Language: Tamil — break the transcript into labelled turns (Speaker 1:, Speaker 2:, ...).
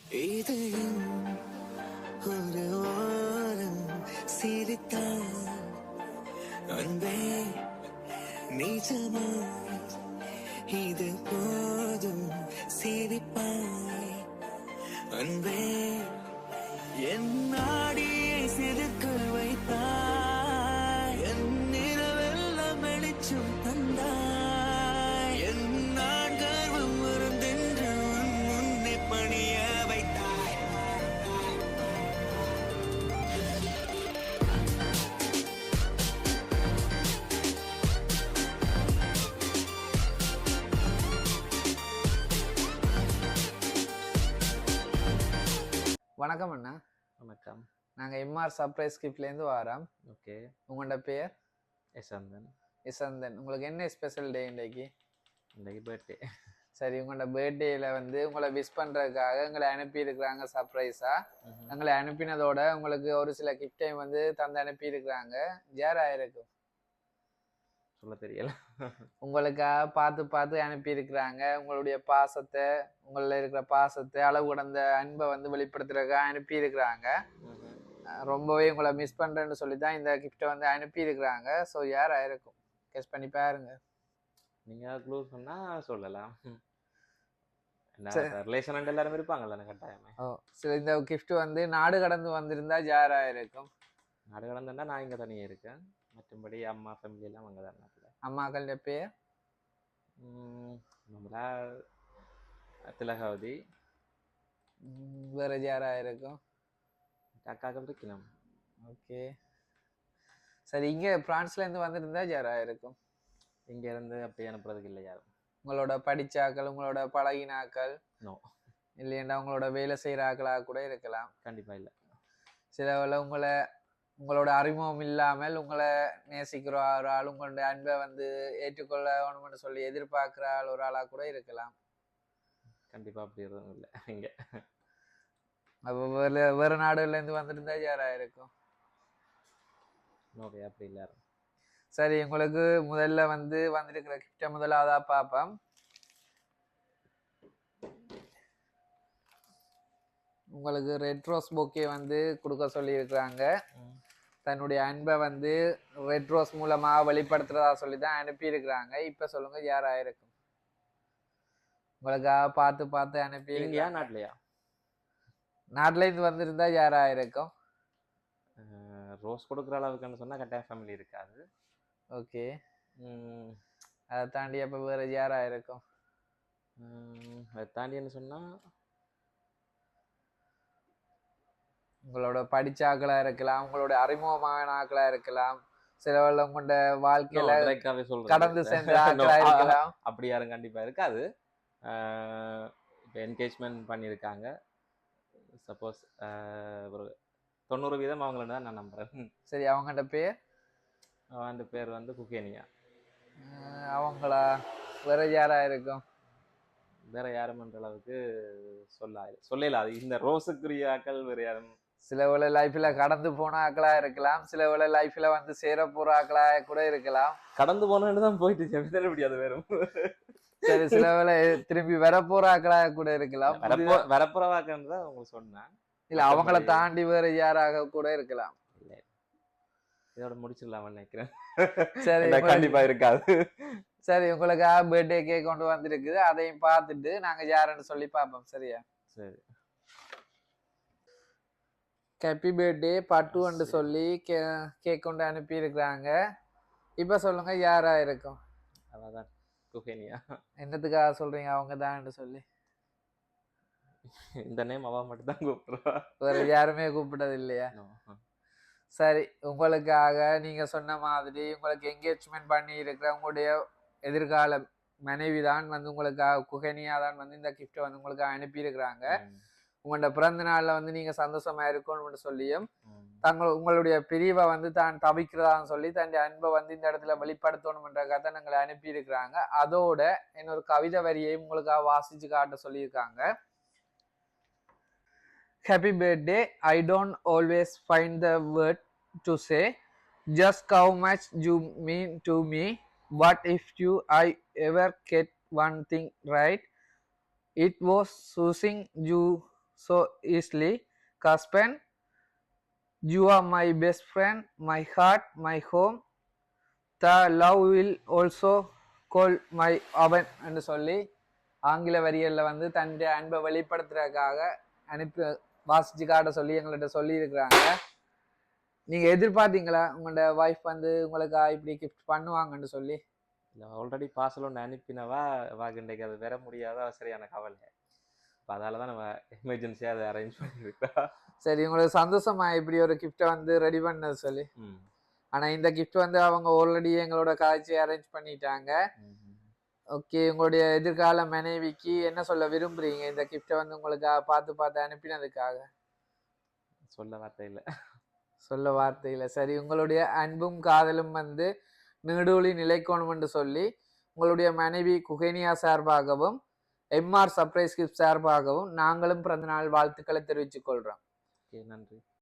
Speaker 1: இதயம் ஒரு ஓரம் சிரித்தார் அன்பே நிஜமா இது போதும் சிரிப்பாய் அன்பே என் நாடியை சிறுக்க வைத்தாய் என் நிலவெல்லாம் வெளிச்சம் தந்தாய் என் நான் கர்வம் மறந்தென்று உன் முன்னே பணிய வைத்தாய்.
Speaker 2: வணக்கம் அண்ணா.
Speaker 3: வணக்கம்.
Speaker 2: நாங்கள் எம்ஆர் சர்ப்ரைஸ் கிஃப்ட்லேருந்து வரோம்.
Speaker 3: ஓகே.
Speaker 2: உங்களோட பேர்?
Speaker 3: யசந்தன்.
Speaker 2: யசந்தன். உங்களுக்கு என்ன ஸ்பெஷல் டே இன்றைக்கு?
Speaker 3: இன்றைக்கு பர்த்டே.
Speaker 2: சரி, உங்களோட பர்த்டேயில் வந்து உங்களை விஷ் பண்ணுறதுக்காக எங்களை அனுப்பியிருக்கிறாங்க சர்ப்ரைஸாக. எங்களை அனுப்பினதோட உங்களுக்கு ஒரு சில கிஃப்டையும் வந்து தந்து அனுப்பியிருக்கிறாங்க. யாராக இருக்கும்
Speaker 3: சொல்ல தெரியல.
Speaker 2: உங்களுக்காக பார்த்து பார்த்து அனுப்பியிருக்கிறாங்க. உங்களுடைய பாசத்தை, உங்களில் இருக்கிற பாசத்தை, அளவு கடந்த அன்பை வந்து வெளிப்படுத்துறதுக்காக அனுப்பியிருக்கிறாங்க. ரொம்பவே உங்களை மிஸ் பண்ணுறேன்னு சொல்லி தான் இந்த கிஃப்டை வந்து அனுப்பியிருக்கிறாங்க. ஸோ யாராக இருக்கும் கெஸ் பண்ணி பாருங்க.
Speaker 3: நீங்கள் க்ளூ சொன்னால் சொல்லலாம். ரிலேஷன் எல்லாரும் இருப்பாங்கல்ல கட்டாயமே.
Speaker 2: சரி, இந்த கிஃப்ட் வந்து நாடு கடந்து வந்திருந்தா யாராக இருக்கும்?
Speaker 3: நாடு கடந்துன்னா நான் இங்கே தனியாக இருக்கேன். மற்றபடி அம்மா ஃபேமிலி எல்லாம் அங்கே தான் நாட்டில்.
Speaker 2: அம்மாக்கள பேர்?
Speaker 3: நம்மளா திலகாவதி.
Speaker 2: வேற யாராக இருக்கும்?
Speaker 3: அக்காக்கள் இருக்கணும்.
Speaker 2: ஓகே. சரி, இங்கே பிரான்ஸ்லேருந்து வந்திருந்தா யாராக இருக்கும்?
Speaker 3: இங்கேருந்து அப்படி அனுப்புறதுக்கு இல்லை யாரும்.
Speaker 2: உங்களோட படிச்சாக்கள், உங்களோட பழகினாக்கள்?
Speaker 3: நோ.
Speaker 2: இல்லையண்டா உங்களோட வேலை செய்கிற ஆக்களாக கூட இருக்கலாம்.
Speaker 3: கண்டிப்பாக இல்லை.
Speaker 2: சில வேளை உங்களோட அறிமுகம் இல்லாமல் உங்களை நேசிக்கிற ஒரு ஆள், உங்களுடைய அன்பை வந்து ஏற்றுக்கொள்ள வேணும்னு சொல்லி எதிர்பார்க்குற ஆள் ஒரு ஆளாக கூட இருக்கலாம்.
Speaker 3: கண்டிப்பாக அப்படி எதுவும் இல்லை இங்கே.
Speaker 2: அப்போ வேறு நாடுகள்லேருந்து வந்துருந்தா யாராக இருக்கும்?
Speaker 3: ஓகே, அப்படி இல்லை.
Speaker 2: சரி, உங்களுக்கு முதல்ல வந்து வந்திருக்கிற கிஃப்டை முதலாவதாக பார்ப்போம். உங்களுக்கு ரெட் ரோஸ் பொக்கே வந்து கொடுக்க சொல்லியிருக்கிறாங்க. தன்னுடைய அன்பை வந்து ரெட் ரோஸ் மூலமாக வெளிப்படுத்துறதா சொல்லி தான் அனுப்பியிருக்கிறாங்க. இப்போ சொல்லுங்க யாராக இருக்கும்? உங்களுக்காக பார்த்து பார்த்து அனுப்பியிருக்கா?
Speaker 3: நாட்டிலையா?
Speaker 2: நாட்டிலேருந்து வந்திருந்தா யாராக இருக்கும்?
Speaker 3: ரோஸ் கொடுக்குற அளவுக்குன்னு சொன்னால் கட்டாயம் ஃபேமிலி இருக்காது.
Speaker 2: ஓகே. அதை தாண்டி அப்போ வேறு யாராக இருக்கும்?
Speaker 3: அதை தாண்டின்னு சொன்னால்
Speaker 2: உங்களோட படிச்ச ஆக்களாக இருக்கலாம், உங்களோட அறிமுகமான ஆக்களாக இருக்கலாம், சில உங்களோட வாழ்க்கையில கடந்து சென்ற ஆக்களாக இருக்கலாம்.
Speaker 3: அப்படி யாரும் கண்டிப்பாக இருக்காது. இப்போ என்கேஜ்மெண்ட் பண்ணியிருக்காங்க. சப்போஸ் ஒரு 90% அவங்கள தான் நான் நம்புகிறேன்.
Speaker 2: சரி, அவங்கள்ட்ட பேர்?
Speaker 3: அவன் பேர் வந்து குகேனியா.
Speaker 2: அவங்களா? வேற யாராக இருக்கும்?
Speaker 3: வேற யாருமன்ற அளவுக்கு சொல்லல. அது இந்த ரோஸுக்குரிய ஆக்கள் வேறு யாரும்.
Speaker 2: சில வேளை லைஃப்ல கடந்து போன ஆக்களா இருக்கலாம், சில வேளை லைஃப்ல வந்து சேர போற ஆக்களா கூட இருக்கலாம்.
Speaker 3: கடந்து போனேன்னு தான் போயிட்டு முடியாது வேறும்.
Speaker 2: சரி, சில வேளை திரும்பி வரப்போற ஆக்களா கூட இருக்கலாம்.
Speaker 3: வரப்போற ஆக்கள் தான் உங்களுக்கு சொன்னேன்.
Speaker 2: இல்ல, அவங்கள தாண்டி வேற யாராக கூட இருக்கலாம்.
Speaker 3: இல்ல, இதோட முடிச்சிடலாம்னு நினைக்கிறேன்.
Speaker 2: சரி,
Speaker 3: கண்டிப்பா இருக்காது.
Speaker 2: சரி, உங்களுக்கு பர்த்டே கேக் கொண்டு வந்திருக்குது. அதையும் பார்த்துட்டு நாங்க யாருன்னு சொல்லி பார்ப்போம். சரியா?
Speaker 3: சரி.
Speaker 2: ஹாப்பி பர்த்டே பட்டுன்னு சொல்லி கேக் கொண்டு அனுப்பி இருக்கிறாங்க. இப்ப சொல்லுங்க யாரா இருக்கும்?
Speaker 3: அதான் குகேனியா.
Speaker 2: என்னத்துக்காக சொல்றீங்க அவங்க தான் சொல்லி?
Speaker 3: இந்த நேம் அவ மட்டும் தான் கூப்பிடுறா,
Speaker 2: வேற யாருமே கூப்பிட்டது இல்லையா? சரி, உங்களுக்காக நீங்க சொன்ன மாதிரி உங்களுக்கு என்கேஜ்மெண்ட் பண்ணி இருக்கிற உங்களுடைய எதிர்கால மனைவி தான் வந்து உங்களுக்காக, குகேனியா தான் வந்து இந்த கிஃப்ட் வந்து உங்களுக்காக அனுப்பி இருக்கிறாங்க. உங்களோட பிறந்த நாள்ல வந்து நீங்க சந்தோஷமா இருக்கணும்னு சொல்லியும் உங்களுடைய பிரிவை வந்து தான் தவிக்கிறதான்னு சொல்லி தன்னுடைய அன்பை வந்து இந்த இடத்துல வெளிப்படுத்தணும்ன்ற கதை எங்களை அனுப்பி இருக்கிறாங்க. அதோட இன்னொரு கவிதை வரியையும் உங்களுக்காக வாசிச்சு காட்ட சொல்லியிருக்காங்க. Happy birthday. I don't always find the word to say just how much you mean to me. What if I ever get one thing right? It was choosing you so easily. Caspen, you are my best friend, my heart, my home. The love will also call my oven என்று சொல்லி ஆங்கில வரிகளில் வந்து தன்னுடைய அன்பை வெளிப்படுத்துறதுக்காக அனுப்பி வாசிச்சு காட்ட சொல்லி எங்கள்கிட்ட சொல்லி இருக்கிறாங்க. நீங்கள் எதிர்பார்த்தீங்களா உங்களோட ஒய்ஃப் வந்து உங்களுக்கு இப்படி கிஃப்ட் பண்ணுவாங்கன்னு சொல்லி?
Speaker 3: இல்லை ஆல்ரெடி பார்சல் ஒன்று அனுப்பினவா இன்றைக்கு அது வர முடியாத சரியான கவலை. இப்போ அதால தான் நம்ம எமர்ஜென்சியாக அதை அரேஞ்ச் பண்ணியிருக்கா.
Speaker 2: சரி, உங்களுக்கு சந்தோஷமா இப்படி ஒரு கிஃப்டை வந்து ரெடி பண்ணது சொல்லி? ஆனால் இந்த கிஃப்ட் வந்து அவங்க ஆல்ரெடி எங்களோட காய்ச்சி அரேஞ்ச் பண்ணிட்டாங்க. ஓகே, உங்களுடைய எதிர்கால மனைவிக்கு என்ன சொல்ல விரும்புறீங்க இந்த கிஃப்டை வந்து உங்களுக்கு பார்த்து அனுப்பினதுக்காக? சொல்ல வார்த்தை இல்லை. சரி, உங்களுடைய அன்பும் காதலும் வந்து நீடூழி நிலைக்கணும் என்று சொல்லி உங்களுடைய மனைவி குகேனியா சார்பாகவும் எம்ஆர் சர்ப்ரைஸ் கிஃப்ட் சார்பாகவும் நாங்களும் பிறந்தநாள் வாழ்த்துக்களை தெரிவித்துக் கொள்றோம்.
Speaker 3: நன்றி.